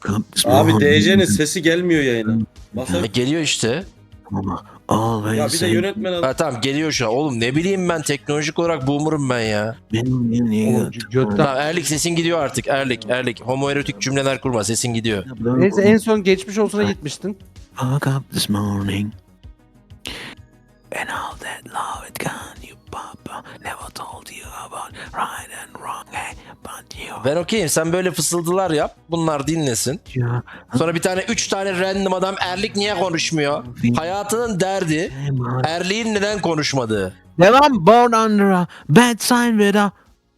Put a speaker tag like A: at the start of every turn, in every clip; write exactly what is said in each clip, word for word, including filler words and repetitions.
A: Abi D C'nin sesi gelmiyor yayına. Masa...
B: E, geliyor işte.
A: Ya bir de yönetmen al.
B: Ha, tamam geliyor şu an. Oğlum ne bileyim ben, teknolojik olarak boomer'ım ben ya.
C: Oğlum, götten.
B: Tamam Erlik, sesin gidiyor artık. Erlik, Erlik. Homoerotik cümleler kurma, sesin gidiyor.
C: Neyse, en son geçmiş olsuna gitmiştin.
D: Woke up this morning and all that love it gone, you papa never told you about right and wrong, hey, but you.
B: Ben okeyim, sen böyle fısıldılar yap. Bunlar dinlesin.
D: Ya,
B: Sonra bir tane, üç tane random adam Erlik niye konuşmuyor? Hayatının derdi Erlik'in neden konuşmadığı.
D: Devam. Born under a bad sign with a.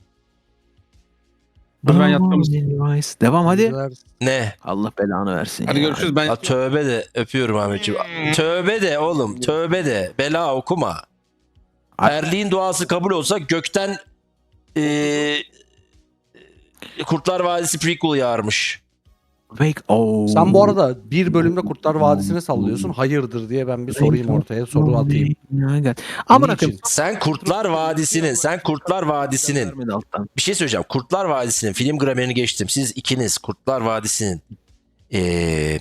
E: Hadi ben yattım.
D: Devam hadi.
B: Ne?
D: Allah belanı versin.
E: Hadi
D: ya.
E: görüşürüz. Ben
B: Ya tövbe de, öpüyorum Ahmetciğim. Tövbe de oğlum, tövbe de. Bela okuma. Erliğin duası kabul olsa gökten eee Kurtlar Vadisi prequel yağarmış.
D: Wake oh.
C: Sen bu arada bir bölümde Kurtlar Vadisi'ni sallıyorsun. Hayırdır diye ben bir sorayım ortaya. Soru atayım.
D: Ama
C: Niçin?
B: Sen Kurtlar Vadisi'nin, sen Kurtlar Vadisi'nin
D: Vermedi alttan.
B: bir şey söyleyeceğim. Kurtlar Vadisi'nin film gramerini geçtim. Siz ikiniz Kurtlar Vadisi'nin eee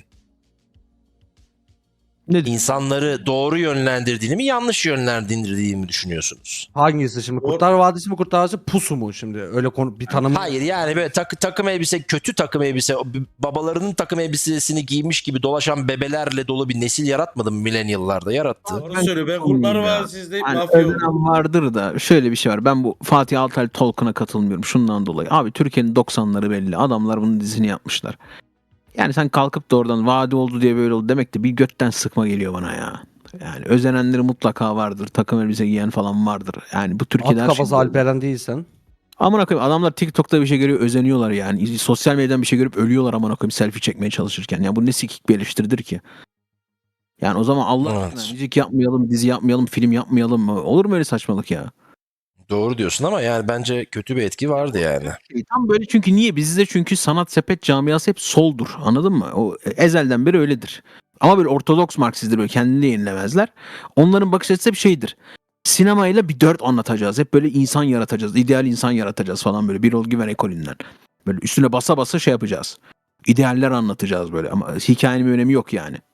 D: Ne?
B: insanları doğru yönlendirdiğini mi, yanlış yönlendirdiğini mi düşünüyorsunuz?
C: Hangisi şimdi? Kurtlar Vadisi mi, Kurtlar Vadisi pusu mu şimdi? Öyle konu bir tanım.
B: Hayır, yani böyle tak- takım elbise, kötü takım elbise, o b- babalarının takım elbisesini giymiş gibi dolaşan bebelerle dolu bir nesil yaratmadı mı milenyıllarda? Yarattı.
A: Doğru söylüyor. Ben Kurtlar
D: Ya.
A: Vadisi izleyip
D: Yani
A: mafya oldum.
D: özlem vardır da şöyle bir şey var. Ben bu Fatih Altaylı Tolkien'a katılmıyorum şundan dolayı. Abi Türkiye'nin doksanları belli. Adamlar bunun dizini yapmışlar. Yani sen kalkıp da oradan vadi oldu diye böyle oldu demek de bir götten sıkma geliyor bana ya. Yani özenenleri mutlaka vardır. Takım elbise giyen falan vardır. Yani bu
C: At
D: Türkiye'de her
C: kafası
D: şey-
C: Alperen değilsen.
D: Amına koyayım, adamlar TikTok'ta bir şey görüyor özeniyorlar yani. Sosyal medyadan bir şey görüp ölüyorlar amına koyayım selfie çekmeye çalışırken. Ya bu ne sikik bir eleştiridir ki? Yani o zaman Allah
B: Evet.
D: aşkına müzik yapmayalım, dizi yapmayalım, film yapmayalım mı? Olur mu öyle saçmalık ya?
B: Doğru diyorsun ama yani bence kötü bir etki vardı yani.
D: E, Tam böyle, çünkü niye? Bizde çünkü sanat sepet camiası hep soldur. Anladın mı? O ezelden beri öyledir. Ama böyle ortodoks Marksistler böyle kendini yenilemezler. Onların bakış açısı hep şeydir. Sinemayla bir dört anlatacağız. Hep böyle insan yaratacağız. İdeal insan yaratacağız falan böyle. Birol Güven ekolünden. Böyle üstüne basa basa şey yapacağız. İdealler anlatacağız böyle. Ama hikayenin bir önemi yok yani.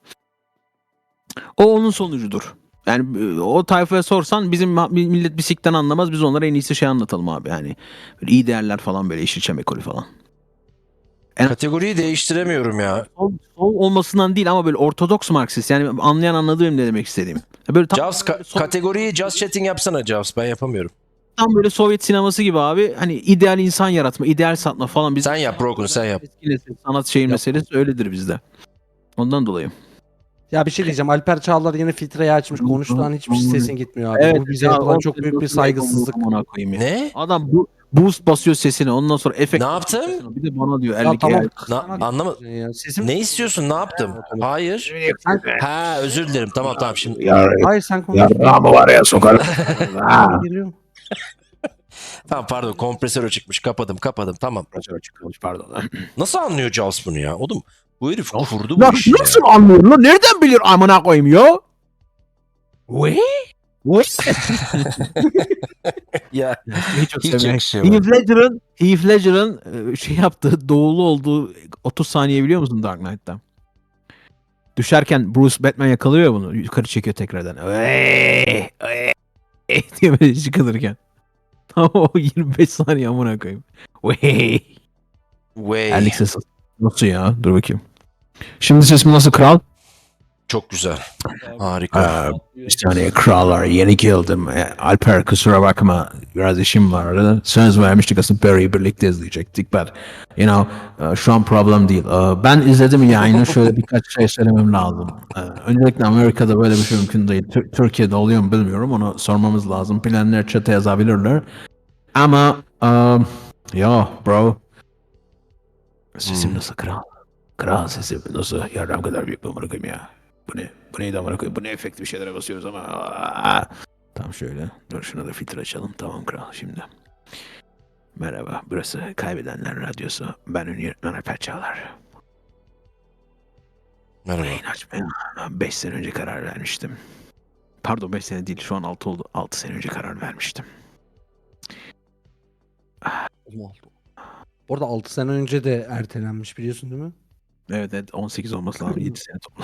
D: O onun sonucudur. Yani e, o tayfaya sorsan bizim ma- millet bisikten anlamaz. Biz onlara en iyisi şey anlatalım abi. Yani böyle iyi değerler falan, böyle Yeşilçam ekolü falan.
B: Kategoriyi değiştiremiyorum ya.
D: Sol, sol olmasından değil ama böyle ortodoks Marksist. Yani anlayan anladı benim ne demek istediğim. Böyle tam,
B: Javs ka-
D: sol-
B: kategoriyi just chatting yapsana Javs, ben yapamıyorum.
D: tam böyle Sovyet sineması gibi abi. Hani ideal insan yaratma, ideal satma falan. Biz
B: Sen yap Broken, sen yap.
D: eski nesil sanat şeyin meselesi öyledir bizde. Ondan dolayı.
C: Ya bir şey diyeceğim. Alper Çağlar yeni filtreyi açmış. Konuştuğun hiçbir sesin gitmiyor abi.
D: Evet,
C: Bu bize
D: ya,
C: yapılan
D: o-
C: çok büyük bir saygısızlık.
D: Amına koyayım ya.
B: Ne?
D: Adam bu boost basıyor sesine. Ondan sonra efekt.
B: Ne yaptım?
D: Bir de bana diyor.
C: Ya
D: ellik
C: tamam.
B: Na- anlama-
C: Ya, sesim...
B: Ne istiyorsun? Ne yaptım? Hayır.
C: Sen...
B: Ha, özür dilerim. Tamam tamam şimdi.
C: Hayır sen konuş.
D: Yarrağımı var ya sokarım.
C: Geliyorum.
B: Tamam pardon, kompresör çıkmış. Kapadım kapadım. Tamam.
D: Pardon.
B: Nasıl anlıyor Javs bunu ya? Oğlum bu herif kurdu
D: Lan
B: bu işi ya.
D: nasıl anlıyor lan? Nereden bilir amına koyayım ya? Ve? Ve?
B: Ya
D: Hiç,
B: hiç yakışıyor.
D: Heath Ledger'ın Heath Ledger'ın e, şey yaptığı, doğulu olduğu otuz saniye biliyor musun Dark Knight'ta? Düşerken Bruce Batman yakalıyor ya bunu. Yukarı çekiyor tekrardan. Eee, eee, diye böyle çıkılırken. Tam o yirmi beş saniye amına koyayım. Wey.
B: Way.
D: Erlik sesi. Nasıl ya? Dur bakayım. Şimdi sesim nasıl kral?
B: Çok güzel. Harika.
D: Bir saniye krallar, yeni geldim. E, Alper kusura bakma, biraz işim vardı. Söz vermiştik aslında Barry'i birlikte izleyecektik. But you know e, şu an problem değil. E, Ben izledim yayını, şöyle birkaç şey söylemem lazım. E, Öncelikle Amerika'da böyle bir şey mümkün değil. Tür- Türkiye'de oluyor mu bilmiyorum, onu sormamız lazım. Bilenler chat'e yazabilirler. Ama um, yo bro. Sesim nasıl kral? Kral sesim nasıl? Yardım kadar büyük bir amına koyayım ya. Bu ne? Bu neydi amına koyayım? Bu ne efekti bir şeylere basıyoruz ama. Aa! Tam şöyle. Dur şuna da filtre açalım. Tamam kral şimdi. Merhaba. Burası Kaybedenler Radyosu. Ben ünlü yönetmen Alper Çağlar.
B: Merhaba.
D: Yayın açmaya beş sene önce karar vermiştim. Pardon beş sene değil. Şu an altı oldu. altı sene önce karar vermiştim.
C: Bu arada altı sene önce de ertelenmiş biliyorsun değil mi?
D: Evet evet on sekiz olması lazım. yedi sene toplam.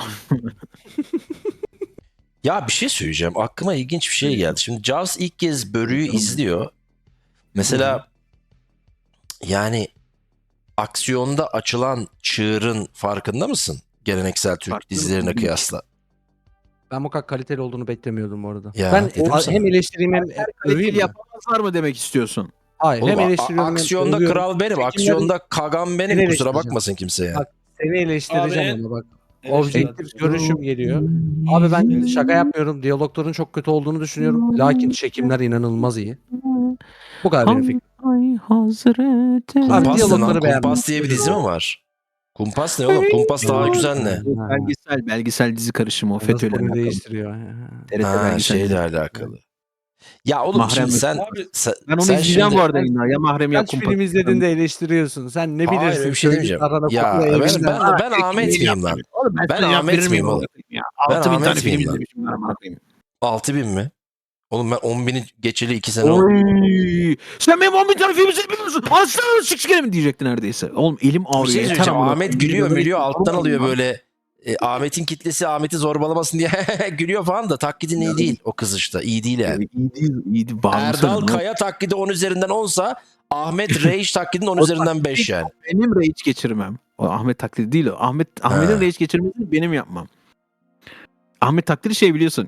B: Ya bir şey söyleyeceğim. Aklıma ilginç bir şey geldi. Şimdi Jaws ilk kez Börü'yü izliyor. Mesela yani aksiyonda açılan çığırın farkında mısın? Geleneksel Türk
D: Farkında
B: dizilerine
D: mısın?
B: kıyasla.
C: Ben bu kadar kaliteli olduğunu beklemiyordum bu arada.
B: Ya,
C: ben
B: dedim
C: o-
B: sana.
C: hem eleştireyim hem
D: Kaliteli
C: öveyim mi?
D: yapamazlar mı demek istiyorsun?
C: Hayır
B: Oğlum,
C: hem
B: a-
C: eleştiriyorum hem
B: aksiyonda
C: övüyorum.
B: kral benim.
C: Çekimleri-
B: Aksiyonda kagan benim.
C: Seni
B: Kusura
C: eleştireceğim.
B: bakmasın kimse ya.
C: Bak, Seni eleştireceğim
A: Abi,
C: ama bak.
A: eleştir
C: Objektif
A: hadi.
C: görüşüm geliyor. Abi ben şaka yapmıyorum. Diyalogların çok kötü olduğunu düşünüyorum. Lakin çekimler inanılmaz iyi. Bu kadar benim fikrim.
D: Ay Hazreti.
C: Abi,
B: Kumpas ne
C: diyalogları
B: lan?
C: beğenmedim.
B: Kumpas diye bir dizi mi var? Kumpas ne oğlum? Kumpas daha güzel ne?
C: Ha.
D: Belgesel, belgesel dizi karışımı o
C: Nasıl
D: FETÖ'yle
C: konuyu
D: alakalı.
C: değiştiriyor.
D: T R T
B: Ha,
D: belgesel
B: şeyle
D: dizi.
B: alakalı. Ya oğlum
D: Mahrem
B: şimdi
D: yok.
B: sen,
A: Abi,
B: sen
D: Ben onu
B: sen
D: izleyeceğim
B: şimdi-
D: bu arada yine. Ya Mahrem ya
C: Kaç
D: Kumpas.
C: film izledin de eleştiriyorsun. Sen ne
B: Hayır,
C: bilirsin?
B: öyle bir şey
C: Köylü
B: demeyeceğim.
C: tarhana
B: Ya
C: kokla
B: ben,
C: evinden.
B: ben, ben Ahmet miyim lan?
D: Oğlum ben,
B: Ben
D: sana cevap
B: Ahmet
D: verir
B: miyim
D: miyim
B: oğlum?
D: Ya?
B: Ben
D: altı bin
B: Ahmet
D: tane film
B: miyim lan?
D: izlemişim ben amına koyayım.
B: altı bin mi? Oğlum ben on bini geçeli iki sene oldu.
D: Oy! Sen benim on bin tane film izlemiyorsun. Aslanım sıçkere mi diyecekti neredeyse. Oğlum elim
B: Bir
D: ağrıyor.
B: şey
D: yeter
B: söyleyeceğim.
D: amına
B: Ahmet
D: koyayım.
B: gülüyor
D: Böyle
B: gülüyor
D: bir-
B: alttan
D: Oğlum
B: alıyor
D: lan.
B: böyle. E, Ahmet'in kitlesi Ahmet'i zorbalamasın diye gülüyor falan da taklidin iyi değil o kız işte. İyi değil yani.
D: İyi değil, iyi değil. Bağımlısı
B: Erdal
D: ne?
B: Kaya taklidi on üzerinden onsa Ahmet Reis taklidin on üzerinden beş yani.
D: Benim rage geçirmem. O Ahmet taklidi değil o. Ahmet Ahmet'in
B: Ha.
D: rage geçirmesini benim yapmam. Ahmet taklidi şey biliyorsun.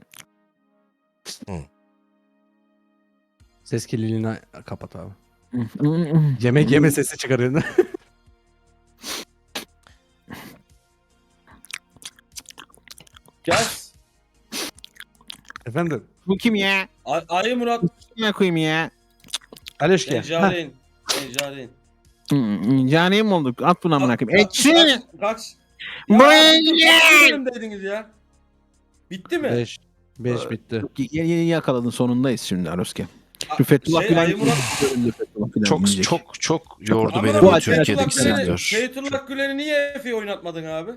C: Ses kirliliğini kapat abi. Yemek yeme sesi çıkarıyor.
A: Gel.
C: Efendim.
D: Bu kim ya?
A: Ay- Ayı Murat.
D: Ne koyayım ya?
C: Aleşke.
A: Necaren. Necaren.
D: Hmm, Caniye mi olduk? At bunu amına koyayım. Ekşi!
A: Kaç. Kaç. Ya,
D: Buraya
A: dur,
D: gel!
A: kaç bölüm dediniz ya? Bitti mi?
C: beş. beş bitti.
D: Yeni yeni yakaladın sonundayız şimdi Aroske.
A: A-
D: Şu Fethullah
A: şey,
D: Gülen
A: Ayı Murat.
D: Fethullah Gülen
B: Çok
D: yiyecek.
B: çok çok yordu
A: Ama
B: beni
A: lan
B: bu
D: bu
B: Türkiye'deki
A: Fethullah Gülen'i-
B: sektör.
A: Fethullah Gülen'i niye Efe'yi oynatmadın abi?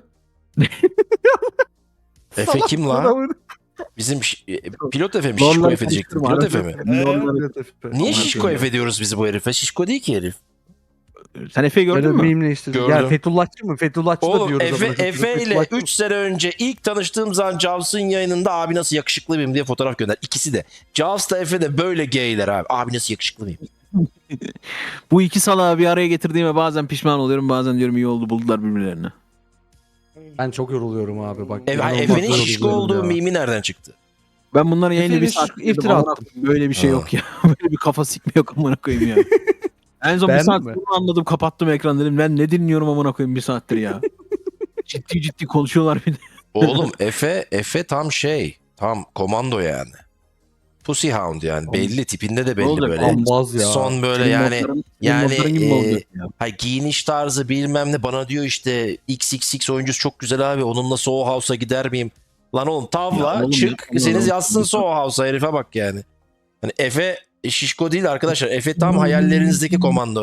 B: Efe kim la? Bizim ş- e, pilot Efe mi? Şişko
D: Vallahi
B: Efe diyecektim.
D: konuşturma,
B: Pilot Efe mi?
A: Ee,
B: Niye
D: Aman
B: Şişko
D: koyayım.
B: Efe diyoruz biz bu herife? Şişko değil ki herif.
D: Sen Efe'yi gördün
C: Gördün
D: mü?
C: mü? Işte.
B: Gördüm.
C: Ya Fethullahçı mı? Fethullahçı da
B: Oğlum
C: diyoruz.
B: Efe,
C: amına koyayım.
B: Efe ile
C: Fethullahçı mı?
B: üç sene önce ilk tanıştığım zaman Jaws'ın yayınında abi nasıl yakışıklı mıyım diye fotoğraf gönder. İkisi de. Jaws da Efe de böyle gayler abi. Abi nasıl yakışıklı mıyım?
D: Bu iki salağı bir araya getirdiğime bazen pişman oluyorum. Bazen diyorum iyi oldu buldular birbirlerini.
C: Ben çok yoruluyorum abi bak.
B: Efe,
C: İnanılmaz
B: Efe'nin
C: yoruluyorum
B: şişko olduğu
C: ya.
B: mimi nereden çıktı?
D: Ben bunları yayında bir
C: Efe'nin
D: saat
C: şu- iftira
D: amına
C: attım.
D: koyayım. Böyle bir şey
B: Ha.
D: yok ya. Böyle bir kafa sikme yok amına koyayım ya. En son bir
C: Beğendin
D: saat
C: mi?
D: sonra anladım kapattım ekran dedim. Ben ne dinliyorum amına koyayım bir saattir ya. ciddi ciddi konuşuyorlar bir de.
B: Oğlum Efe, Efe tam şey. Tam komando yani. Pussy Hound yani. Belli tipinde de belli
D: olacak?
B: böyle.
C: Ambaz ya.
B: Son böyle
D: Senin
B: yani
D: notların- senin
B: yani
D: notların gibi mi
B: e,
D: olacak ya?
B: hay giyiniş tarzı bilmem ne bana diyor işte X X X oyuncusu çok güzel abi onunla Soho House'a gider miyim? Lan oğlum tavla
D: Ya oğlum
B: çık
D: yapma
B: seniz
D: oğlum.
B: yazsın Soho House'a herife bak yani. Hani Efe e, şişko değil arkadaşlar. Efe tam hayallerinizdeki komando.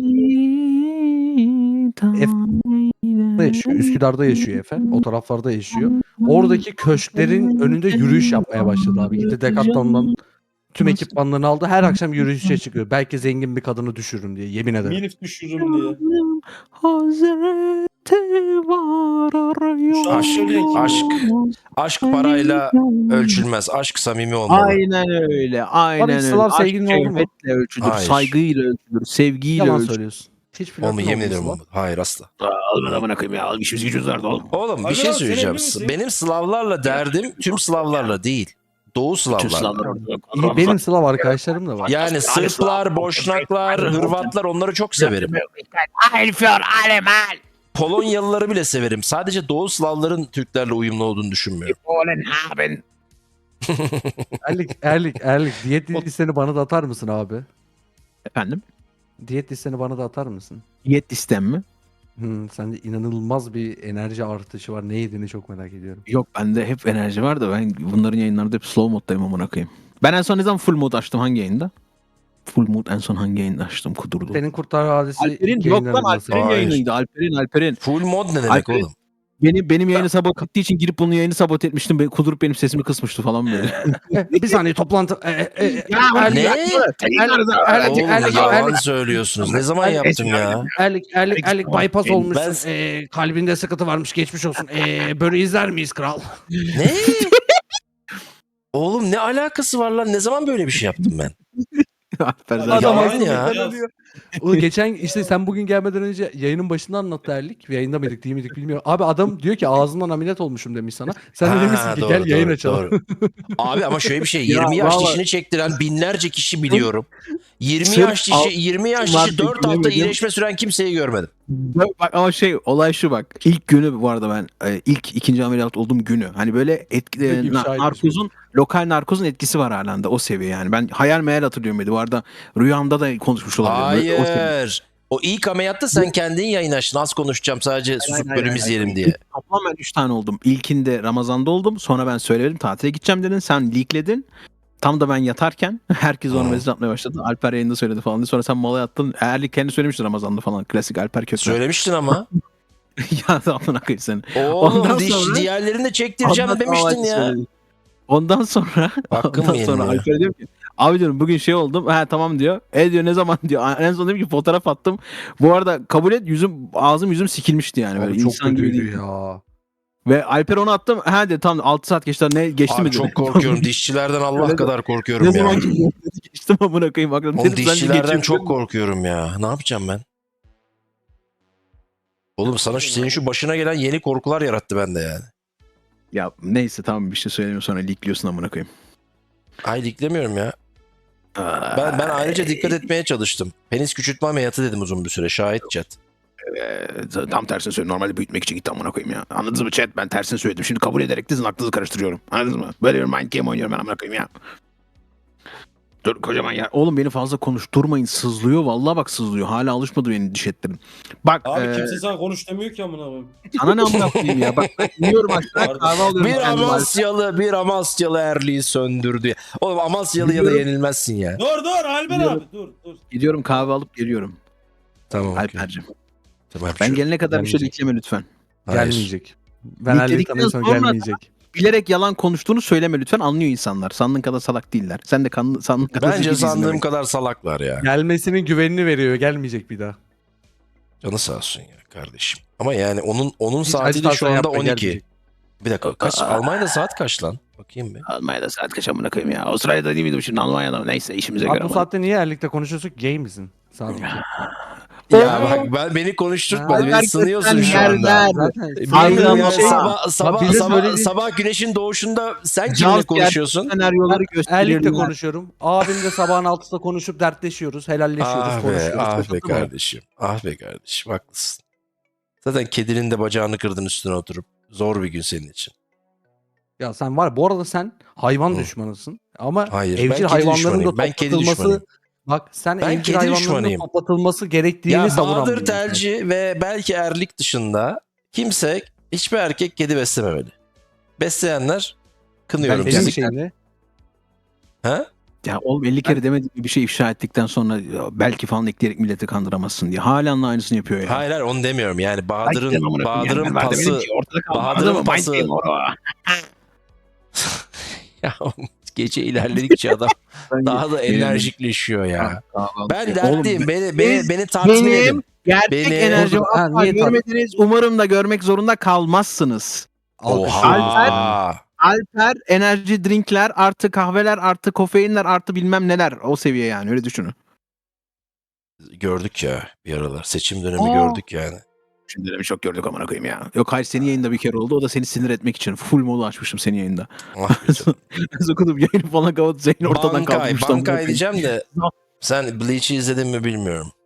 C: yaşıyor. Üsküdar'da yaşıyor Efe. O taraflarda yaşıyor. Oradaki köşklerin önünde yürüyüş yapmaya başladı abi. Gitti Decathlon'dan tüm ekipmanlarını aldı. Her akşam yürüyüşe çıkıyor. Belki zengin bir kadını düşürürüm diye yemin ederim.
A: Milif düşürürüm diye.
D: Hazreti var
A: Şu an söyleyin ki-
B: Aşk. Aşk parayla ölçülmez. Aşk samimi olmalı.
D: Aynen öyle. Aynen
C: Abi,
D: öyle.
C: Slav
D: Aşk
C: sevgilin oldu mu?
D: şehvetle ölçülür.
B: Hayır.
D: Saygıyla ölçülür. Sevgiyle
C: Yalan
D: ölçülür.
C: söylüyorsun. Hiç flörtün
B: Oğlum yemin
C: oldu mu
B: ederim
C: Sıla?
B: olmadı. Hayır asla.
D: Al ben amına koyayım ya. Al işimiz gücümüz vardı oğlum.
B: Oğlum bir
A: Abi
B: şey
A: lan, sen
B: söyleyeceğim.
A: evli misin?
B: Benim Slavlarla derdim tüm Slavlarla değil. Doğu Slavlarla.
C: İyi, benim Slav arkadaşlarım da var.
B: Yani Sırplar, Boşnaklar, Hırvatlar onları çok severim. Polonyalıları bile severim. Sadece Doğu Slavların Türklerle uyumlu olduğunu düşünmüyorum.
C: Erlik, Erlik, Erlik. Diyet listeni bana da atar mısın abi?
D: Efendim?
C: Diyet listeni bana da atar mısın?
D: Diyet listem mi?
C: Hmm, sende inanılmaz bir enerji artışı var. Ne yediğini çok merak ediyorum.
D: Yok bende hep enerji var da ben bunların yayınlarında hep slow moddayım amına koyayım. Ben en son ne zaman full mod açtım hangi yayında? Full mod en son hangi yayında açtım kudurdu.
C: Senin Kurtlar Vadisi
D: Alper'in
C: ilk
D: yok lan
C: yayınlarında
D: Alper'in
B: Hayır.
D: yayınıydı Alper'in Alper'in.
B: Full mod ne demek
D: Alper'in-
B: oğlum?
D: benim benim yayını sabote ettiği için girip bunun yayını sabote etmiştim. Ben, kudurup benim sesimi kısmıştı falan böyle.
C: bir saniye toplantı. E, e, e,
D: Ya,
C: Erlik-
B: ne?
C: Erlik- Erlik-
B: Oğlum
C: Erlik-
B: yalan
C: Erlik-
B: söylüyorsunuz. Ne zaman yaptım ya?
C: Erlik, Erlik, Erlik bypass
B: Ben-
C: olmuşsun. Ee, kalbinde sıkıntı varmış, geçmiş olsun. Ee, böyle izler miyiz kral?
B: Ne? Oğlum ne alakası var lan? Ne zaman böyle bir şey yaptım ben?
D: Alper zaten-
B: Adam-
A: Yalan
B: ya.
A: ya.
C: O geçen işte sen bugün gelmeden önce yayının başında anlattı Erlik. Yayında mıydık değil miydik bilmiyorum. Abi adam diyor ki ağzımdan ameliyat olmuşum demiş sana. Sen de
B: Ha,
C: demişsin ki
B: doğru,
C: gel yayın
B: doğru,
C: açalım.
B: doğru. Abi ama şöyle bir şey.
D: Ya,
B: yirmi yaş
D: vallahi-
B: dişini çektiren binlerce kişi biliyorum. yirmi
D: Sırf
B: yaş
D: al-
B: dişi, yirmi yaş
D: var
B: dişi dört hafta
D: beklemedim.
B: iyileşme süren kimseyi görmedim.
D: Bak ama şey olay şu bak. İlk günü bu arada ben e, ilk ikinci ameliyat olduğum günü. Hani böyle etki, e,
C: Peki,
D: na-
C: şahit
D: narkozun lokal narkozun etkisi var halen de o seviye yani. Ben hayal meyal hatırlıyorum dedi. Bu arada rüyamda da konuşmuş olabilirim. Böyle o seviye.
B: Hayır. O ilk ameliyatta sen kendin yayın açtın. Az konuşacağım sadece susup
D: hayır,
B: bölüm
D: hayır,
B: izleyelim
D: hayır.
B: diye.
D: Toplam ben üç tane oldum. İlkinde Ramazan'da oldum. Sonra ben söyledim tatile gideceğim dedin. Sen leakledin. Tam da ben yatarken herkes onu
B: Hmm.
D: mesaj atmaya başladı. Alper yayında söyledi falan diye. Sonra sen mala yattın. Erlik kendi söylemişti Ramazan'da falan. Klasik Alper kötü.
B: Söylemiştin ama.
D: ya amına koyayım seni.
B: Oğlum
D: Ondan
B: diş,
D: sonra-
B: diğerlerini de çektireceğim
D: Ondan
B: demiştin
D: sonra
B: ya.
D: söyledim. Ondan sonra
B: Hakkım
D: ondan
B: mı
D: sonra
B: yeniliyor?
D: Alper diyor ki abi diyorum bugün şey oldum. Ha tamam diyor. E diyor ne zaman diyor. En son dedim ki fotoğraf attım. Bu arada kabul et yüzüm ağzım yüzüm sikilmişti yani. Böyle
C: Abi çok
D: insan gibi
C: kötüydü
D: değil.
C: ya.
D: Ve Alper onu attım. Ha dedi tamam altı saat geçti. Ne geçti
B: Abi
D: mi dedi.
B: çok korkuyorum. Dişçilerden Allah
D: Öyle-
B: kadar
D: Ne
B: korkuyorum ya.
D: zaman ki geçtim amına koyayım. Aklım
B: Oğlum
D: dedim, sence
B: dişçilerden
D: geçebilir
B: çok
D: mi?
B: korkuyorum ya. Ne yapacağım ben? Oğlum sana şu, senin şu başına gelen yeni korkular yarattı bende yani.
D: Ya neyse tamam bir şey söylemiyorum sonra leakliyorsun amına koyayım.
B: Ay diklemiyorum ya. Ben ben ayrıca dikkat etmeye çalıştım. Penis küçültme ameliyatı dedim uzun bir süre. Şahit chat.
D: Ee, tam tersini söyle. Normalde büyütmek için gitti amına koyayım ya. Anladınız mı chat? Ben tersini söyledim. Şimdi kabul ederek de sizin aklınızı karıştırıyorum. Anladınız mı? Böyle bir mind game oynuyorum ben amına koyayım ya. Dur kocaman ya. Oğlum beni fazla konuşturmayın. Sızlıyor. Vallahi bak sızlıyor. Hala alışmadı benim diş etlerim. Bak
A: Abi
D: ee,
A: kimse sana konuş demiyor ki amına koyayım.
D: sana ne amına koyayım ya. Bak ben iniyorum aşağı
A: Pardon.
D: kahve alıyorum.
B: Bir
D: kendime.
B: Amasyalı, bir Amasyalı Erli'yi söndürdü. Oğlum Amasyalı'ya da
D: Biliyorum.
B: yenilmezsin ya.
A: Dur dur Alper
D: Biliyorum.
A: abi dur dur.
D: Gidiyorum kahve alıp geliyorum.
B: Tamam. okey.
D: Alper'cim.
B: Tamam,
D: Ben
B: şu-
D: gelene kadar bir şey
C: Gelmeyecek.
D: ekleme lütfen.
B: Hayır.
C: Gelmeyecek. Ben
D: Leakledikten
C: Erlik'ten en son
D: sonra-
C: gelmeyecek.
D: Bilerek yalan konuştuğunu söyleme lütfen. Anlıyor insanlar. Sandığın kadar salak değiller. Sen de kan, sandığın kadar
B: Bence
D: zekisin
B: sandığım
D: demek.
B: kadar salaklar ya.
C: Gelmesinin güvenini veriyor. Gelmeyecek bir daha.
B: Canı sağ olsun ya kardeşim. Ama yani onun onun
C: Hiç
B: saati de şu
C: ajitasyon
B: anda
C: yapma,
B: on iki.
C: gelmeyecek.
B: Bir dakika kaç? Almanya'da saat kaç lan? Bakayım bir.
D: Almanya'da saat kaç amına koyayım ya. Avustralya'da değil miydim şimdi Almanya'da mı? Neyse işimize
C: Abi
D: göre.
C: bu
D: ama.
C: saatte niye Erlik'le konuşuyorsun? Gay misin? Sadece.
B: Ya bak ben beni konuşturtma.
C: Ya,
B: Beni sınıyorsun şu anda.
C: Zaten
B: Bilmiyorum
D: Aynen
B: ya,
D: şey-
B: sabah, sabah,
C: bize
B: sabah,
C: söylediğin-
B: sabah güneşin doğuşunda sen
D: Caz
B: kimle konuşuyorsun?
D: Senaryoları gösteriyorum.
C: Erlik'le konuşuyorum. Abimle sabahın altısında konuşup dertleşiyoruz. Helalleşiyoruz.
B: Ah be,
C: konuşuyoruz.
B: ah be
C: Anladın mı?
B: kardeşim. Ah be kardeşim haklısın. Zaten kedinin de bacağını kırdın üstüne oturup. Zor bir gün senin için.
C: Ya sen var. Bu arada sen hayvan
B: Hı.
C: düşmanısın. Ama
B: Hayır, ben
C: evcil
B: kedi
C: hayvanların
B: düşmanıyım.
C: da
B: Ben kedi
C: toplatılması...
B: düşmanıyım.
C: Bak sen
B: Ben
C: evcil
B: kedi
C: hayvanların da
B: düşmanıyım.
C: toplatılması gerektiğini
B: Ya
C: savunan
B: Bahadır
C: bir insan.
B: Telci ve belki Erlik dışında kimse hiçbir erkek kedi beslememeli. Besleyenler kınıyorum
C: Ben
B: sizi.
C: benim şeyimle.
B: Ha?
D: Ya oğlum elli kere demediğim bir şey ifşa ettikten sonra ya belki falan ekleyerek milleti kandıramazsın diye. Halen de aynısını yapıyor ya.
B: Hayır hayır onu demiyorum. Yani
D: Belki de
B: Bahadır'ın
D: amına koyayım
B: Bahadır'ın
D: yani. Ben de demedim
B: pası
D: ki ortada kaldı.
B: Bahadır'ın
D: Anladın mı? Mind
B: pası-
D: game o.
B: ya gece ilerledikçe adam daha da
D: Benim-
B: enerjikleşiyor ya. Ben
D: Oğlum,
B: dertliyim. Beni, beni,
D: biz-
B: beni tatmin
D: benim
B: edin.
D: gerçek
B: Beni-
D: enerjimi
C: Ha,
D: asla
C: niye tabii?
D: görmediniz. Umarım da görmek zorunda kalmazsınız.
C: Alkışlıyoruz.
B: Oha.
D: Alper enerji drinkler artı kahveler artı kofeinler artı bilmem neler. O seviye yani öyle düşünün.
B: Gördük ya bir aralar. Seçim dönemi
D: Aa.
B: gördük yani.
D: Şimdi de bir çok gördük amına koyayım ya. Yok hayır senin yayında bir kere oldu. O da seni sinir etmek için. Full modu açmışım senin yayında.
B: Ah be canım.
D: Ben okudum yayını falan kapatıp Zeyn ortadan
B: Bankay,
D: kalkmıştı. amına
B: Bankay
D: koyayım.
B: diyeceğim de sen Bleach'i izledin mi bilmiyorum.